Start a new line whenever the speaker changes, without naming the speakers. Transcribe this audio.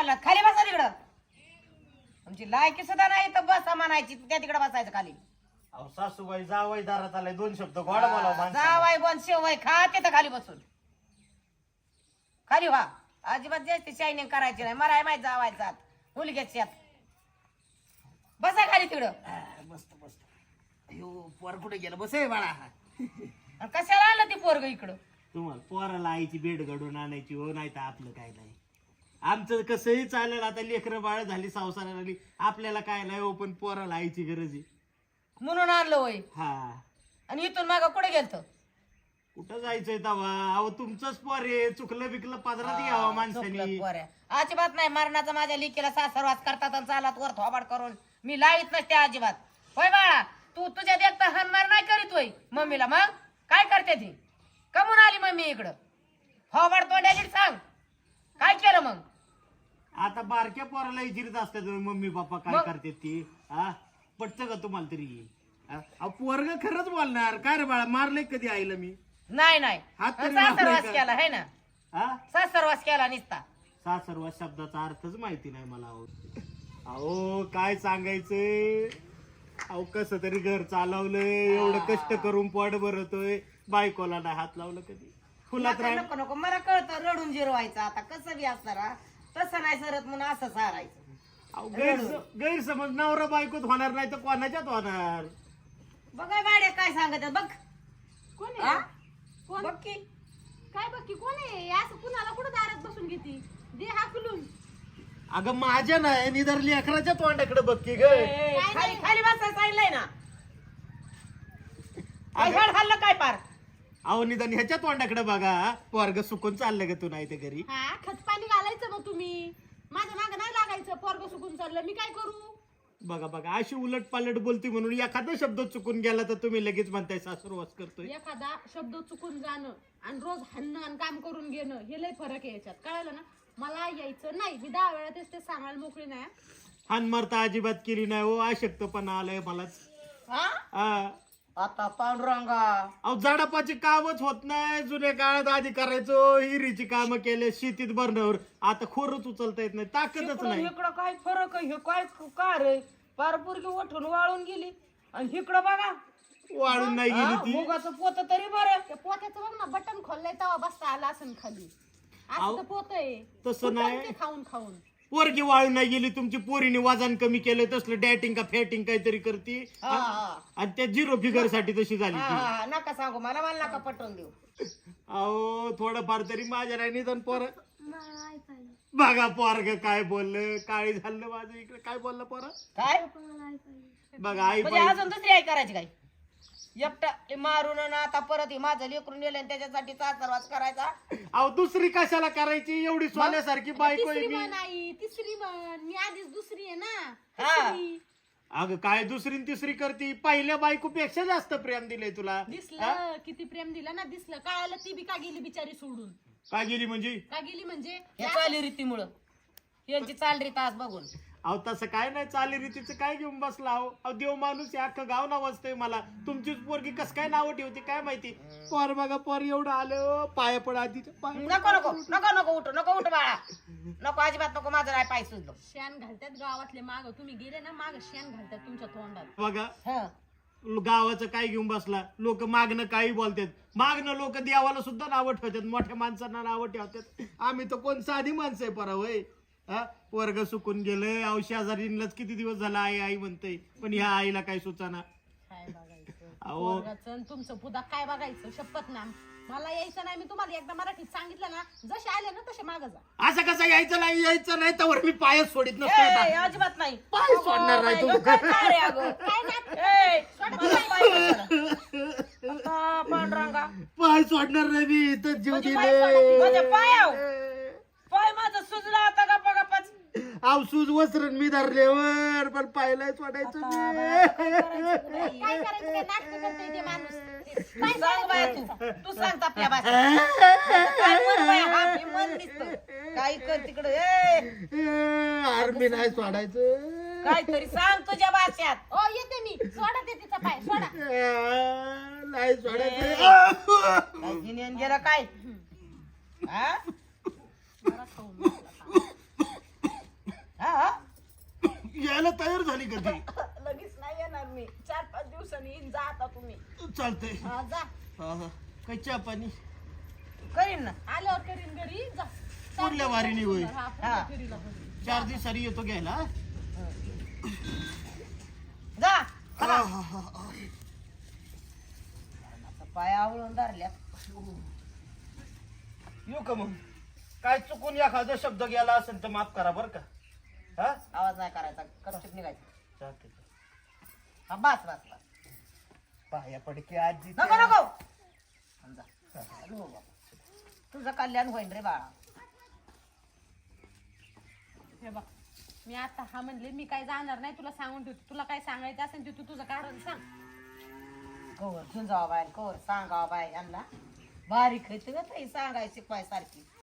घालणार खाली बसा तिकडं तुमची लायकी सुद्धा नाही तर बसा म्हणायची त्या तिकडे बसायचं खाली
अहो सासूबाई जावाई दारात आलाय 2 शब्द गोड बोलावं
जावाय गोन शेवाय खा तिथं खाली बसून खाली व्हा अजिबात जास्त शायनिंग करायची नाही मराय माहिती जावायचा मुलग्याच्यात बसा खाली तिकडं
मस्त मस्त अयो पोर कुठे गेलं बसे बाळा
आणि कशाला आलं ते पोरग इकडं
तुम्हाला पोराला आईची बेड घडून आणायची हो नाही तर आपलं काय नाही आमचं कसंही चालेल आता लेकरं बाळ झाली संसाराला आली आपल्याला काय नाही हो पण पोराला आईची गरज आहे
म्हणून आणलं होय
हा
आणि इथून माग कुठे गेलतो
कुठं जायचंय तवा अहो तुमचंच पोर आहे चुकलं बिकलं पदरात घ्यावा माणसानी
अजिबात नाही मरणाचा माझ्या लिकीला सासरवास करतात आणि चालात वर थोबाड करून मी लाईत नसते अजिबात होय बाळा तू तुझ्या देखता हानमार नाही करीत होय मम्मीला मग काय करते ती कमून आली मम्मी इकडं थोबाड तोंड्याची सांग काय केलं मग
आता बारक्या पोराला इजिरीत असतात मम्मी पप्पा काय करते ती हा पटतं का तुम्हाला तरी पोरग खरंच बोलणार काय रे बाळा मारले कधी आईला मी
नाही नाही
हात तरी
सासरवास
लावलाय का?
केला है ना
हा
सासरवास केला निसता
सासरवा शब्दाचा अर्थच माहिती नाही मला अहो काय सांगायचंय अहो कसं तरी घर चालवलंय एवढं कष्ट करून पोट भरतोय बायकोला नाही हात लावलं कधी फुलात राह
नको नको मला कळतं रडून जिरवायचं आता कसं बी असणार हा? तसं नाही सरत म्हणून असं सारायचं
गैरसमज नवरा बायकोत होणार नाही तर कोणाच्यात होणार
बघा गाड्या काय सांगत बघ
कोण
हा?
आहे कोण
बघ की
काय बघ की कोण आहे असं कुणाला कुठं दारात बसून घेती दे हाकलून
अगं माझ्या नाही निधर लेकराच्या तोंडाकडे बघ की ग
खाली खाली बसायला सांगितलंय ना हेड खाल्लं काय पार
अहो निदान ह्याच्या तोंडाकडे बघा पोरग सुकून चाललं ग तू नाही ते घरी
हा खत पाणी घालायचं मग तुम्ही माझ्या मागं नाही लागायचं पोरग सुकून चाललं मी काय करू
बघा बघा अशी उलट पालट बोलती म्हणून एखादा शब्द चुकून गेला तर तुम्ही लगेच म्हणताय सासरवास करतोय
एखादा शब्द चुकून जाणं आणि रोज हाणणं आणि काम करून घेणं हे लय फरक आहे याच्यात कळलं ना मला यायचं नाही मी 10 वेळा तेच ते सांगायला मोकळी नाही
हानमार तर अजिबात केली नाही हो अशक्तपणा आलाय मलाच
हा
हा
आता पांडुरंगा
अहो झाडापाची कामच होत नाही जुन्या काळात आधी करायचो हिरीची कामं केले शेतीत भरण्यावर आता खोरच उचलता येत नाही ताकदच नाही
इकडं काय फरक आहे हे काय का रे पार पोरगी उठून वाळून गेली आणि इकडं बघा
वाळून नाही गेली ती
मुगाचं पोत तरी बरं
त्या पोत्याचं बघ ना बटन खोललंय तेव्हा बसता आला असं खाली
अहो,
असं तर पोत आहे
तसं
फुटलं
नाही.
ते खाऊन खाऊन
पोरगी वाळून नाही गेली तुमची पोरीने वजन कमी केलंय तसलं डॅटिंग का फॅटिंग काहीतरी करते
हा, हा.
आणि त्या 0 फिगर साठी तशी झाली
हा,
ती
हा, नका सांगू मला नका पटवून देऊ
अहो थोडंफार तरी माझ्या नाही निधन पोर बघा पोरग काय बोललं काळी झालं माझं इकडे काय बोललं पोर
काय
बघा आई
म्हणजे अजून दुसरी आई करायची काय एकटा मारून आणि आता परत हे माझं लेकरून नेलं आणि त्याच्यासाठी सासरवास करायचा
अहो दुसरी कशाला करायची एवढी सोन्यासारखी बायको आहे
तिसरी
मी
म्हण आई तिसरी म्हण मी आधीच दुसरी आहे ना
हा.
तिसरी.
अगं काय दुसरी न तिसरी करती पहिल्या बायकोपेक्षा जास्त प्रेम दिलंय तुला
दिसलं किती प्रेम दिलं ना दिसलं कळालं ती बी का गेली बिचारी सोडून
काय गेली म्हणजे
का गेली म्हणजे
या चालीरीतीमुळं यांची चालरीत आज बघून
अहो तसं काय नाही चालीरीतीचं काय घेऊन बसला अहो देव माणूस हे अख्खं गाव नावाजतंय मला तुमचीच पोरगी कस काय नावं ठेवते काय माहिती पोर बघा पोर एवढं आलं पाया पड आधीच्या
नको नको नको नको उठ बाळा नको अजिबात नको माझं नाही पाय सुचलो
शेण घालतात गावातले माग तुम्ही गेले ना माग शेण घालतात तुमच्या तोंडात
बघा
हं.
गावाचं काय घेऊन बसला लोक मागणं काही बोलतात मागणं लोक देवाला सुद्धा नावं ठेवतात मोठ्या माणसांना नावं ठेवतात आम्ही तर कोण साधी माणसं आहे परा होय हा वर्ग सुकून गेलंय अहो शेजारीलाच किती दिवस झाला आई आई म्हणतय पण ह्या आईला काय सुचाना
काय बघायचं
अहो.
पोरगाचं आणि तुमचं पुदा काय बघायचं शपथ ना मला यायचं नाही मी तुम्हाला एकदा मराठीत सांगितलं ना जसे आले ना तसे माग जा
असं कसं यायचं नाही तर मी पायच सोडित
ए,
नसतो
अजिबात नाही
पाय सोडणार नाही तू.
काय रे अगं?
काय नाटकं
ए,
सोडा
मला पाय सोड. आता पांडुरंगा
पाय सोडणार नाही मी इथं जीव
माझे पाय सोडा. माझ्या
दिले
पायाव पाय माझं सुजला आता गप्पा
आवसूज वसरण मी धरल्यावर पण पायला सोडायचं मी
काय करायचं काय नाटक करतोय ते माणूस काय
सांग बाया तू सांग आपल्या भाषेत काय मन बाया, हा मी मन दिसतं काय कर तिकडं
आर्मी नाही सोडायचं
काहीतरी सांग तुझ्या भाषेत
ओ येते मी सोडा ते तिचा पाय सोडा
नाही सोडायचं
काय जिन्यान गेलं काय हा?
जरा खाऊन बसला.
यायला तयार झाली कधी?
लगेच नाही येणार मी, 4-5 दिवसांनी येईन. जा आता तुम्ही.
चालतंय.
हा, जा.
हा. काय चहा पाणी?
करीन ना.
आल्यावर करीन घरी. जा.
पुढल्या वारीने होईल.
हा,
हा.
पुढल्या फेरीला होईल.
4 दिवसांनी येतो घ्यायला. हा?
जा
हा, हा, हा.
पाय आवळून धरल्या.
येऊ का मग? काय चुकून एखादा शब्द गेला असेल तर माफ करा बर का. हा
आवाज नाही करायचा, करचिप निघायचं.
चालतंय.
हा, बस बस बस.
पाया पडके आजी.
नको नको. जा. नको बाबा. तुझं कल्याण होईल रे बाळा.
हे बघ, मी आता हा म्हणले मी काय जाणार नाही. तुला सांगून ठेवते. तुला काय सांगायचं असेल ते तू तुझं कारण सांग.
कवर झुंजावा बाय, कवर सांगावा बाय यांना. बारीक आहे सांगायची पाय सारखी.